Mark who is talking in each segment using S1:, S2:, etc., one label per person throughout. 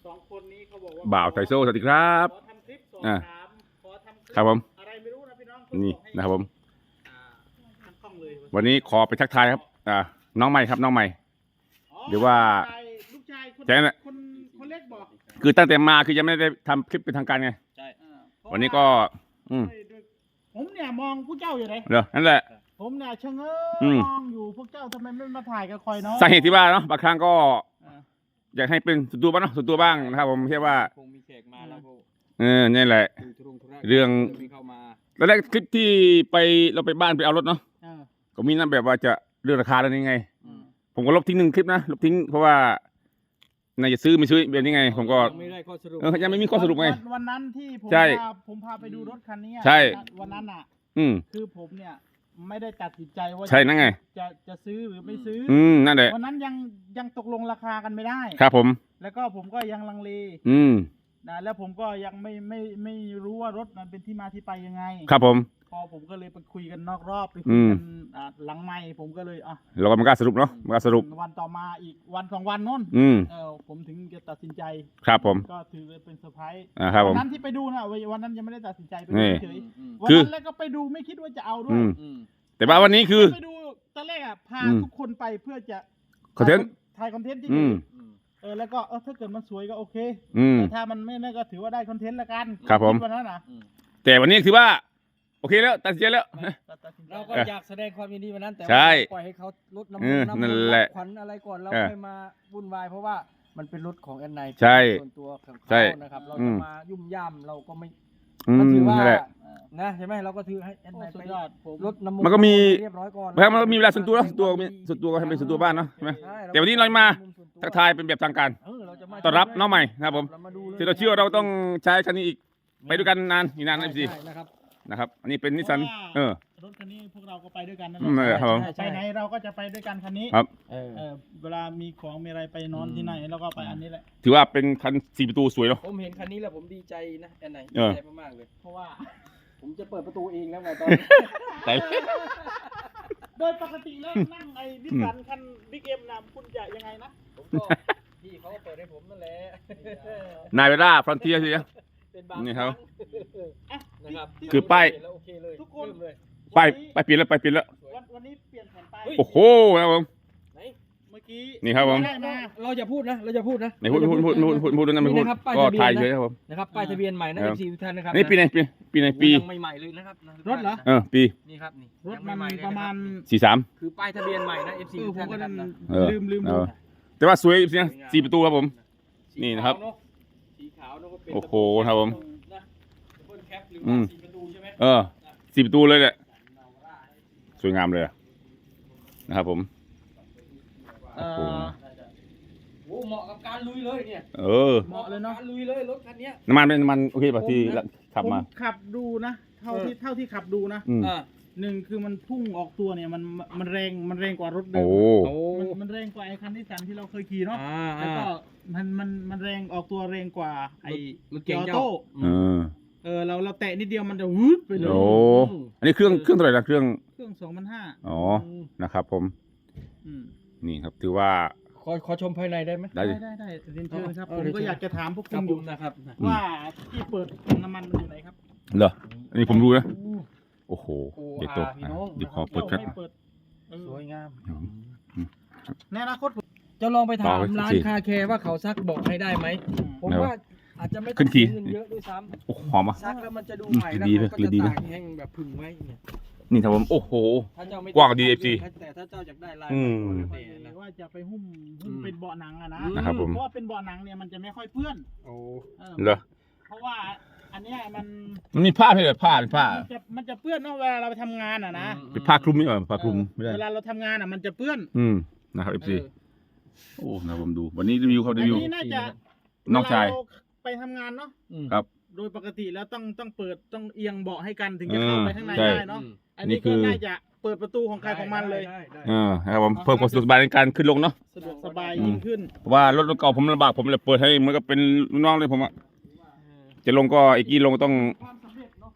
S1: 2 คนนี้เขาบอกว่า
S2: บ่าวไทโซสวัสดีครับ
S1: ขอทำคลิปสอบถามขอทำคลิป
S2: ครับผม
S1: อะไรไม่รู้นะพี่น้อง
S2: นี่นะครับผม
S1: ทั้งกล้องเลย
S2: วันนี้ขอไปทักทายครับน้องใหม่ครับน้องใหม่
S1: อ๋อ
S2: หรือว่า
S1: ลูกชายคน
S2: ใช่น่ะ
S1: คนเล็กบอก
S2: คือตั้งแต่มาคือยังไม่ได้ทำคลิปเป็นทางการไง
S1: ใช่
S2: วันนี้ก็
S1: ผมเนี่ยมองพวกเจ้าอยู่ไหน
S2: เดี๋ยวนั่นแหละ
S1: ผมเนี่ยชะเง้
S2: อืม
S1: มองอยู่พวกเจ้าทำไมไม่มาถ่ายกับคอยเนาะ
S2: สาเหตุที่ว่าเนาะบางครั้งก็
S1: อ่า
S2: อยากให้เป็นส่วนตัวบ้างเนาะส่วนตัวบ้างนะครับผมเรียกว่า
S3: คงมีแขกมาแล้วก็
S2: นี่แหละ
S3: ดูธุระ
S2: เรื่อง
S3: ไม่เข้ามา
S2: แล้วแรกคลิปที่ไปเราไปบ้านไปเอารถเนาะ
S1: เออ
S2: ก็มีนั่นแบบว่าจะเรื่องราคาแล้วนี่ไง
S1: อืม
S2: ผมก็ลบทิ้ง1 คลิปนะลบทิ้งเพราะว่าน่าจะซื้อไม่ซื้อแบบนี้ไง ผมก็
S3: ยังไม่ได้ข้อสรุป
S2: ยังไม่มีข้อสรุปไง
S1: วันนั้นที่ผม
S2: ใช่
S1: ผมพาไปดูรถคันนี้อะ
S2: ใช่
S1: วันนั้นอ่ะ
S2: อืม
S1: คือผมเนี่ยไม่ได้ตัดสินใจว่า
S2: ใช่นั่นไง
S1: จะซื้อหรือไม่ซื้อ
S2: นั่นแหละ
S1: วันนั้นยังตกลงราคากันไม่ได้
S2: ครับผม
S1: แล้วก็ผมก็ยังลังเล
S2: อืม
S1: นะแล้วผมก็ยังไม่รู้ว่ารถมันเป็นที่มาที่ไปยังไง
S2: ครับผม
S1: พอผมก็เลยไปคุยกันนอกรอบไป
S2: อื
S1: คุย
S2: ม
S1: กันหลังไมค์ผมก็เลย
S2: เราก็มันกล้าสรุปเนาะมันกล้าสรุป
S1: วันต่อมาอีกวัน2 วันโน้น
S2: อืม
S1: ผมถึงจะตัดสินใจ
S2: ครับผม
S1: ก็ถือเป็นเซอร์ไพรส์
S2: ครับผ
S1: วั
S2: ม
S1: นั้นที่ไปดูนะวันนั้นยังไม่ได้ตัดสินใจไป
S2: นี่
S1: ดูเฉย
S3: อืม
S1: ๆวัน
S2: คือ
S1: นั้นแล้วก็ไปดูไม่คิดว่าจะเอาด้ว
S2: อื
S1: ย
S2: ม
S3: อืม
S2: แต่ว่าวันนี้คือ
S1: ไปดูตอนแรกพา
S2: อืม
S1: ทุกคนไปเพื่อจะ
S2: คอนเทนต์
S1: ถ่ายคอนเทนต์จริง
S2: อืม
S3: อืม
S1: แล้วก็ถ้าเกิดมันสวยก็โอเค
S2: อืม
S1: แต่ถ้ามันไม่นั่นก็ถือว่าได้คอนเทนต์ละกัน
S2: ครับผม
S1: ดวันนั้นนะ
S3: อืม
S2: แต่วันนี้คือว่า โอเคแล้วตัดสินใจแล้ว
S1: ตัดสินใจ
S3: เราก็อยากแสดงความยินดีวันนั้นแต่
S2: ใช่
S3: ว่าปล่อยให้เขาลดน้ำ
S2: เออ
S3: น้ำ
S2: นั่น
S3: มัน
S2: แหละ
S3: ขวัญอะไรก่อนเรา
S2: เออ
S3: ค่อยมาวุ่นวายเพราะว่ามันเป็นรถของแอนไน
S2: ใช่
S3: ส่วนตัวของ
S2: ใช่
S3: เขานะครับ เรา
S2: อื
S3: จะ
S2: ม
S3: มายุ่มย่ามเราก็ไม่
S2: อื
S3: ก็
S2: ม
S3: ถือว่า
S2: นั่นแหละ
S3: นะใช่ไหมเราก็ถือให้แอนไน
S1: สุ
S3: ไป
S1: ดยอดผม
S3: ลดน้ำ
S2: มันก็มี
S3: เรียบร้อยก่อน
S2: บางครั้งมันก็มีเวลาส่วนตัวเนอะส่วนตัวส่วนตัวก็ให้เป็นส่วนตัวบ้านเนาะใช่ไหม
S3: ใช่
S2: แต่วันนี้เรามา
S3: ส่วนตัว
S2: ทักทายเป็นแบบทางการ
S3: เราจะมา
S2: ต้อนรับน้องใหม่นะครับผม
S3: เรามาดูลย
S2: ที่เราเชื่อว่าเราต้องใช้คันนี้อีก ไปด้วยกันนานอีกนานนะพี่
S3: ใช่นะครับ
S2: นะครับ อันนี้เป็นนิสสัน
S1: รถคันนี้พวกเราก็ไปด้วยกันนั่น
S2: นั่น
S1: แห
S2: แห
S1: ละ
S2: ละครับผม
S1: ไปไหนเราก็จะไปด้วยกันคันนี้
S2: ครับ
S1: เวลามีของมีอะไรไปนอนที่ไหนเราก็ไปอันนี้แหละ
S2: ถือว่าเป็นคัน4 ประตูสวยเนาะ
S3: ผมเห็นคันนี้แล้วผมดีใจนะแอนไหน
S2: เอ
S3: ดี
S2: อ
S3: ใจมากๆเลย
S1: เพราะว่า
S3: ผมจะเปิดประตูเองแล้วไงตอน
S2: แต่
S1: โดยปกติแล้วนั่งไอ้ดิสสันคันบิ๊กเอ็มนะคุณจะยังไงนะ
S3: ผมก็พี่เขาก็เปิดให้ผมนั่นแหละ
S2: นายเวล่าฟรอนเทียสิ
S3: เป็นบาง
S2: นี่ครับ
S1: อ่ะ
S3: นะครับ
S2: คือป้าย
S3: แล้วโอเคเลย
S1: ทุกคน
S3: เริ่มเลย
S2: ไปเปลี่ยนแล้วไปเปลี่ยนแล้ว
S1: วันนี้เปลี่ยนแผนไป
S2: โอ้โหนะครับผม
S3: ไหน
S1: เมื่อกี้
S2: นี่ครับผม
S1: ได้มา
S3: เราจะพูดนะเราจะพูดนะ
S2: ไหนพูดนั่นไม่พูด
S3: นะครับป้าย
S2: ก็
S3: ทะเบียน
S2: ถ่าย
S3: นะ
S2: เฉยครับผม
S3: นะครับป้ายทะเบียนใหม่นะ
S2: ครั
S3: เอบ ฟซีทุกท่านนะครับ
S2: นี่ปีไหนปี
S3: ยังใหม่ๆเลยนะครับ
S1: รถเหรอ
S2: ปี
S3: นี่ครับนี่
S1: รถ
S3: ยัง
S1: มัน
S3: ใหๆเลย
S1: ประมาณ
S2: 43
S3: คือป้ายทะเบียนใหม่นะเอฟซีทุก
S1: ผม
S3: ท่าน
S1: ก็
S3: นะครับนะ
S2: เออ
S1: ลืม
S2: เอ
S1: ดู
S2: อ แต่ว่าสวยจริงนะ4 ประตูครับผม นี่นะครับ
S3: สีขาวเนอะก็เป็น
S2: โอ้โหครับผม
S3: นะดับเบิลแคปหรือ
S2: อื
S3: ว่าม สีประตูใช่ไหม
S2: 4 ประตูเลยแหละสวยงามเลยนะครับผม
S1: เอ่อ
S3: โอ้เหมาะกับการลุยเลยเนี่ย
S1: เหมาะเลยเนาะ
S3: การลุยเลยรถคันเนี้ย
S2: น้ำมันเป็นน้ำมันโอเคป่ะที่ขับมา
S1: ผมขับดูนะเท่าที่ขับดูนะ
S2: อืม
S3: อ่า
S1: หนึ่งคือมันพุ่งออกตัวเนี่ยมันแรงกว่ารถเดิ
S2: โอ้
S1: ม
S3: โอ้
S1: มันแรงกว่าไอ้คันที่สันที่เราเคยขี่เนาะ
S3: อ่า
S1: แล้วก็มันแรงออกตัวแรงกว่าไอ้
S3: รถเก่ง
S1: ออ
S3: เจ้า
S1: โต้
S2: เออ
S1: เราแตะนิดเดียวมันจะวืดไปเลย
S2: โอ้อันนี้เครื่องเท่าไหร่นะเครื่อง
S1: เครื่อง2,500
S2: อ๋อนะครับผม
S1: อืม
S2: นี่ครับถือว่า
S3: ขอชมภายในได้ไหม
S2: ได้
S1: ได้เรียนเชิญครับ
S3: เอา
S1: ผม
S3: เรียน
S1: ก็
S3: เชิญ
S1: อยากจะถามพวก
S3: ค
S1: คุ
S3: รับ
S1: ณอ
S3: ผ
S1: ยู่
S3: มนะครับ
S1: ว่าที่เปิดถังน้ำมันมันอยู่ไหนครับ
S2: เหรออันนี้ผมรู้นะโอ้โห
S3: โอ้
S2: เดี๋ยวโต
S3: พี่น้อง
S2: เดี๋ยวขอเปิดแป๊บ
S1: ไม่เปิด
S3: สวยงาม
S1: ในอนาคตผม
S3: จะลองไปถาม
S2: ต่อไป
S3: ร้าน
S2: สิ
S3: คาแคร์ว่าเขาซักบอกให้ได้ไหมผม
S2: ไหนวะ
S3: ว่าอาจจะไม่
S2: ขึ้
S3: ต้อง
S2: นขี่
S3: เงินเยอะด้วยซ้
S2: โอ้หอมอ่ะ
S3: ำซักแล้วมันจะดู
S2: อืม
S3: ใหม่แล้ว
S2: ดีไหม
S3: เขาก็
S2: ดี
S3: จะ
S2: ไหม
S3: ตากแห้งแบบผึ่งไว้เนี่ย
S2: นี่ครับผมโอ้โห
S3: ถ้าเจ้าไม่
S2: กว้างดี FC
S3: แต่ถ้าเจ้าอยากได้ลาย
S2: อืม
S3: ก็แล้วแต่นะ
S1: ว่าจะไปหุ้ม
S3: อืม
S1: เป็นเบาะหนังอะนะ
S2: นะครับผม
S1: เพราะว่าเป็นเบาะหนังเนี่ยมันจะไม่ค่อยเปื้อน
S3: โอ้
S2: เหรอ
S1: เพราะว่าอันเนี้ยมัน
S2: มันมีผ้าไหมเหรอผ้าเป็นผ้า
S1: มันจะเปื้อนเนาะเวลาเราไปทำงานอะนะ
S2: เป็นผ้าคลุมนี่เหรอผ้าคลุมไม่ได้
S1: เวลาเราทำงานอะมันจะเปื้อน
S2: นะครับ FC
S1: เออ
S2: โอ้นะครับผมดู วันนี้รีวิวครับ
S1: อั
S2: รี
S1: น
S2: วิว
S1: นี้น่าจะ
S2: น้องชาย
S1: เวลเรไปทำงานเนาะ
S2: ครับ
S1: โดยปกติแล้วต้องเปิดต้องเอียงเบาะให้กันถึงจะเข้าไปข้างใน
S2: ใช่
S1: ได้เนาะอัน
S2: นี่
S1: นี้
S2: คื
S1: ก็
S2: อ
S1: น่าจะเปิดประตูของใครของมันเลย
S3: ได้
S2: นะครับผมเพิ่มความสะดวกสบายในการขึ้นลงเนาะ
S1: สะดวกสบายยิ่งขึ้น
S2: เพราะว่ารถเก่าผมลำบากผมเลยเปิดให้เหมือนกับเป็นลูกน้องเลยผมอะจะลงก็ไอ้กี้ลงก็ต้อง
S1: ความสำเร็จเนาะ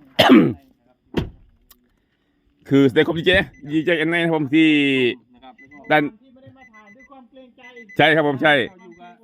S2: คือแสดงความดีใจกันแน่นะครับผมที่
S3: นะครับแล้วก็
S2: ด้าน
S1: ที่ไม่ได้มาถ่ายด้วยความเกรงใจ
S2: ใช่ครับผมใช่
S1: อยู่กับเกรงใจ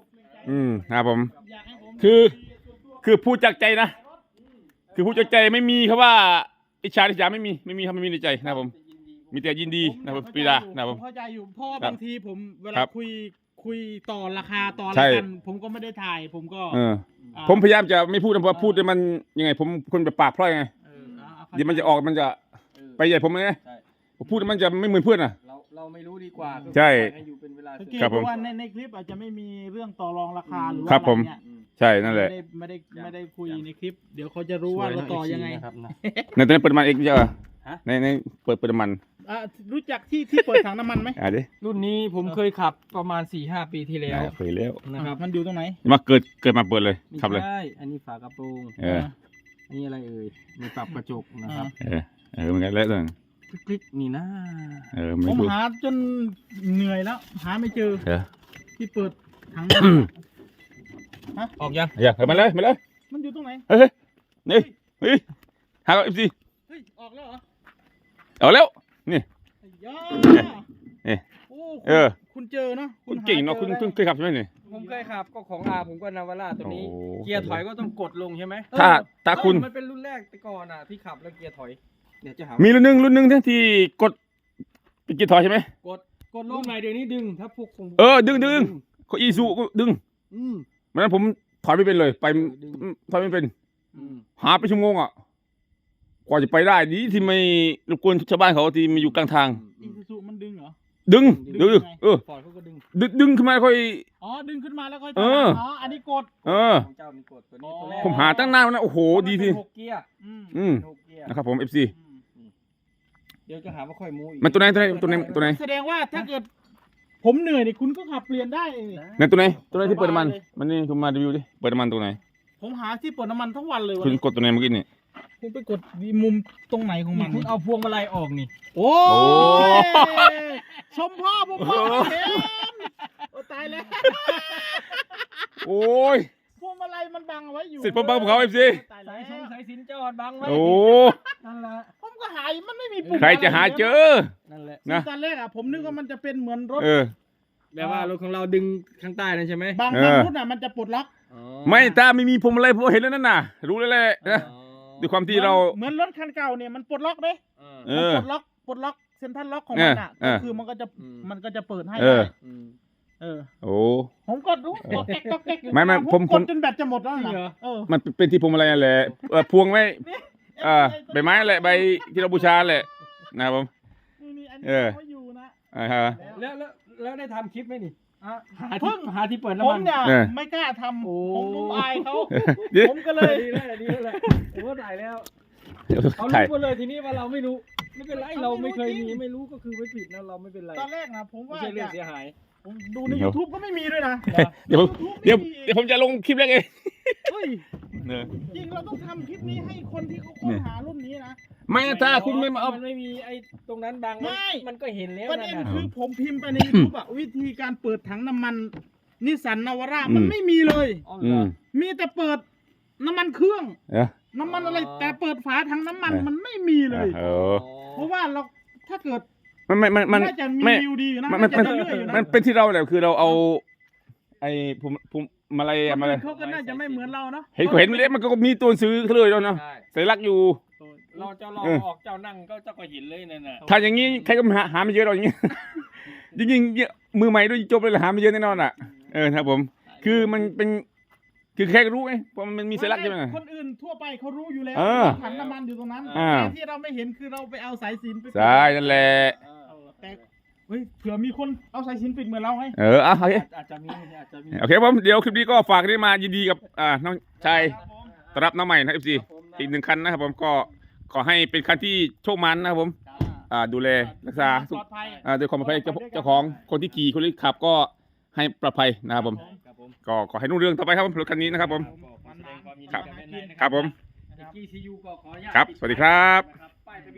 S2: ครับผม
S1: อยากให้ผม
S2: คือพูดจากใจนะ คือพูดจากใจไม่มีครับว่าอิจฉาริษยาไม่มีครับไม่มีในใจนะครับผมมีแต่ยินดีนะครับผมปรีดานะครับผม
S1: เข้าใจอยู่เพราะว่า
S2: ครับ
S1: บางทีผมเว
S2: ครั
S1: ลา
S2: บ
S1: คุยต่อราคาต่ออะไร
S2: ใช่
S1: กันผมก็ไม่ได้ถ่ายผมก็
S2: เออ
S1: อ่า
S2: ผมพยายามจะไม่พูดนะเพราะว่าพูดแต่มันยังไงผมคนแบบปากพร่อยไง
S1: เอา
S2: เดี๋ยวมันจะออกมันจะไปใหญ่ผมไง
S3: ใช่
S2: ผมพูดแล้วมันจะไม่เหมือนเพื่อนอ่ะ
S3: เราไม่รู้ดีกว่า
S2: ใช่
S3: ให้อยู่เป็นเวลา
S1: สังเกต
S2: ครับผม
S1: ดูว่าในคลิปอาจจะไม่มีเรื่องต่อรองราคาหรือว่า
S2: ครับผม
S1: อะไรเงี้ย
S2: ใช่นั่นแหละ
S1: ไม่ได้คุยในคลิป เดี๋ยวเขาจะรู้ว่าเราต่อยังไง
S3: นะครับนะ
S2: ในตอนนี้เปิดน้ำมันเองเยอะ
S3: ฮะ
S2: ในเปิดน้ำมัน
S1: รู้จักที่เปิดถังน้ำมันไหม
S2: ดิ
S3: รุ่นนี้ผมเคยขับประมาณ 4-5 ปีที่แล้ว
S2: เคยแล้ว
S3: นะครับ
S1: มันอยู่ตรงไหน
S2: มาเกิดมาเปิดเลยขับเลย
S3: ไม่ใช่อันนี้ฝากระโปรง
S2: เออ
S3: อันนี้อะไรเอ่ยมีปรับกระจกนะครับ
S2: เหมือนกันแล้วนั่น
S3: คลิกๆนี่นะ
S2: ไม่
S1: ผม
S2: พูด
S1: หาจนเหนื่อยแล้ว หาไม่เจอ
S2: เออ
S1: ที่เปิดถังน้ำมัน
S3: ออกยัง
S2: อย่ามาเลยมาเลย
S1: มันอยู่ตรงไหน
S2: เฮ้ยนี่เฮ้ยหาเอฟซี
S1: เฮ้ยออกแล้วเหรอ
S2: เอาแล้วนี่
S1: ไอ้ย่า
S2: นี่
S1: โอ้
S2: เออ
S1: คุณเจอเนาะ
S2: คุณเก่งเนาะคุณ
S1: ห
S2: เพิ่งเคยขับใช่ไหมนี่
S3: ผมเคยขับก็ของอาผมก็นาวาร่าตัวนี้
S2: โอ้
S3: เกียร์ถอยก็ต้องกดลงใช่ไหม
S2: ถ้าคุณ
S3: มันเป็นรุ่นแรกแต่ก่อนอ่ะที่ขับแล้วเกียร์ถอยเดี๋ยวจะหา
S2: มีรุ่นหนึงที่กดเป็นกีตาร์ใช่ไหม
S3: กดลงไหนเดี๋ยวนี้ดึงถ้าพวกผม
S2: ดึงเขาอีซูก็ดึง
S3: อืม
S2: วันนั้นผมถอยไม่เป็นเลยไป
S3: ดึง
S2: ถอยไม่เป็น
S3: อืม
S2: หาไปชั่วโมงอ่ะกว่าจะไปได้ดีที่ไม่รบกวนชาวบ้านเขาที่มาอยู่กลางทาง
S1: อีซูซูมันดึงเหรอ
S2: ดึง
S1: ดึงยังไง
S3: ฟอร์ดเขาก็ดึง
S2: ดึงขึ้นมาค่อย
S1: อ๋อ ดึงขึ้นมาแล้วก็
S2: เออ
S1: อันนี้กด
S3: ของเจ้ามีกดตัวนี้ตัวแรก
S2: ผมหาตั้งนานแล้วนะโอ้โหดีที
S3: มันเป็นหกเกียร์
S1: อืม
S3: หกเกียร์
S2: นะครับผม FC
S3: เดี๋ยวจะหาว่าค่อยมูอีก
S2: มันตัวไหน
S1: แสดงว่าถ้าเกิด ผมเหนื่อยนี่คุณก็ขับเปลี่ยนได้นี่
S2: นั่นตัวไหนที่เปิดน้ำมันมันนี่คุณมารีวิวดิเปิดน้ำมันตรงไหน
S1: ผมหาที่เปิดน้ำมันทั้งวันเลยวัน
S2: คุณ
S1: นี้
S2: กดตัวไหนเมื่อกี้นี่
S1: คุณไปกดมุมตรงไหนของมัน
S3: คุณเอาพวงมาลัยออกนี่
S1: โอ้
S2: โอ้
S1: ชมพ่อผมพ่อเห็นโอ้ตายแล้ว
S2: โอ้ย
S1: พวงมาลัยมันบังเอาไว้อยู่
S2: สิทธิ์ผมบังเขา FC
S1: ตาย
S3: สา
S1: แล้
S3: ยว สายสินจอดบังไว้
S2: โอ้
S3: นั่นแหละ
S1: ผมก็หายมันไม่มีปุ่ม
S2: ใครจะหาเจอ
S3: นั่นแหละ
S2: นะ
S1: ตอนแรกอ่ะผมนึกว่ามันจะเป็นเหมือนรถ
S3: แบบว่ารถของเราดึงข้างใต้นั่นใช่ไหม
S1: บาง
S2: เออ
S1: รุ่นอ่ะมันจะปลดล็อก
S3: อ๋อ
S2: ไม่ตาไม่มีผมอะไรผมเห็นแล้วนั่นน่ะ รู้แล้วแหละนะ
S3: อ๋อ
S2: ด้วยความที่เรา
S1: เหมือนรถคันเก่าเนี่ยมันปลดล็อกเด้
S3: เออ
S2: เอ
S1: มัน
S2: อ
S1: ปลดล็อกเซ็นทรัลล็อกของมันอ่ะ
S2: เอ
S1: ก็
S2: อ
S1: คือมันก็จะ
S3: อืม
S1: มันก็จะเปิดให้
S2: เออ
S1: ได้
S3: อืม
S1: เออ
S2: โอ้
S1: ผมก็รู้ก็แก๊กก็แก๊กอยู่
S2: ไม่ผม
S1: กดจนแบตจะหมดแล้ว
S3: จริงเหร
S1: นะ
S3: อ
S1: เออ
S2: มันเป็นที่พวงมาลัยนั่นแหละพวงไว้ใบไม้แหละใบที่เราบูชาแหละนะครับผม
S1: นี่อัน
S2: เอ
S1: นี้
S2: อ
S1: เขาอยู่นะ
S2: ฮะ
S3: แล้วได้ทำคลิปไหมนี่
S1: อ่ะ
S3: หาที่เปิด
S1: ผ
S3: น้ำมั
S1: ม
S3: น
S1: เนี่ย
S2: เออ
S1: ไม่กล้าทำ
S3: โอ้
S1: ผมอายเขา
S2: เดี๋ยว
S1: ผมก็เลย
S3: ดีแล้วดีแล้วผมก็ถ่ายแล้วเขา
S2: ถ่าย
S3: รู้หมดเลยทีนี้ว่าเราไม่รู้ไม่เป็นไรเราไม่เคยมีไม่รู้ก็คือไม่ผิดนะเราไม่เป็นไร
S1: ตอนแรกนะผม
S3: ไม่
S1: ว่า
S3: ใช่เรื่องเสียหาย
S1: ผมดูใน YouTube ก็ไม่มีด้วยนะ
S2: เดี๋ยวผม
S1: YouTube
S2: เดี๋ยว
S1: ไม่มี
S2: เดี๋ยวผมจะลงคลิปแรกเอง
S1: เฮ้ย
S2: เนี่ย
S1: จริงเราต้องทำคลิปนี้ให้คนที่เขาค้นหารุ่นนี้นะ
S2: ไม่นะถ้าคุณไม่มาเอา
S3: นไม่มีไอ้ตรงนั้นบาง
S1: ไม่
S3: มันก็เห็นแล้ว
S1: ประ
S3: นั่
S1: เด็
S3: น
S1: น
S3: น่ะ
S1: คือผมพิมพ์ไปใน YouTube อะวิธีการเปิดถังน้ำมันนิสสันนาวาร่ามันไม่มีเลย
S3: อ๋อ
S2: อื
S3: เหรอ
S2: ม
S1: มีแต่เปิดน้ำมันเครื่อง
S2: เอ้ย
S1: น้ำมันอะไร แต่เปิดฝาถังน้ำมัน
S2: เออ
S1: มันไม่มีเลย
S2: เออ
S1: เพราะว่าเราถ้าเกิด
S2: มัน
S1: น่าจะมี
S2: ไม่
S1: วิวดีอยู่นะ
S2: มัน
S1: น่าจะเรื่อยๆอยู่นะ
S2: มันเป็นที่เราแหละคือเราเอา ไอ้ผมมาอะไร
S1: คน
S2: มาอะไร
S1: อื่นเขาก็น่าจะไม่เหมือนเราเนาะ
S2: เห็นเล็บมันก็มีตัวซื้อเลยแล้วเนาะ
S3: ใช่
S2: สัญลักษณ์อยู่
S3: เราเจ้าเราออกเจ้านั่งก็เจ้าก็เห็นเลยนั่นน่ะ
S2: ถ้าอย่างนี้ใครก็หาไม่เยอะหรอกอย่างนี้ จริงๆมือใหม่ด้วยจบเลยหาไม่เยอะแน่นอนอ่ะครับผม คือมันเป็น คือแค่รู้ไงเพราะมันมีสัญลักษณ์ใช่ไหม
S1: คนอื่นทั่วไปเขารู้อยู่แล้ว
S2: เออ
S1: ถังน้ำมันอยู่ตรงนั้น
S2: อ่า
S1: แต่ที่เราไม่เห็นคือเราไปเอาสายสิญจน์ไปปิด
S2: ใช่นั่นแหละ
S1: แต่เฮ้ยเผื่อมีคนเอาสายสิญจน์ปิดเหมือนเราไง
S2: โอเค
S3: อาจจะมีอาจจะมี
S2: โอเคผมเดี๋ยวคลิปนี้ก็ฝากได้มายินดีกับน้องชาย
S1: ครับผม
S2: ต้อนรับน้องใหม่นะ FC อีกหนึ่งคันนะครับผมก็ขอให้เป็นคันที่โชคมันนะครับผมดูแลรักษา
S1: ปลอดภัย
S2: ด้วยความปลอดภัยเจ้าของคนที่ขี่คนที่ขับก็ให้ปลอดภัยนะครับผม
S3: ครับผม
S2: ก็ขอให้รุ่งเรืองต่อไปครับผมรถคันนี้นะครับผม
S3: แสดงความยินดี
S2: ครับ
S3: กับแม่นายนะ
S2: ครับผม
S3: เด็กกี้ซียูก็ขออนุญาต
S2: ครับสวัสดีครับ
S3: นะครับ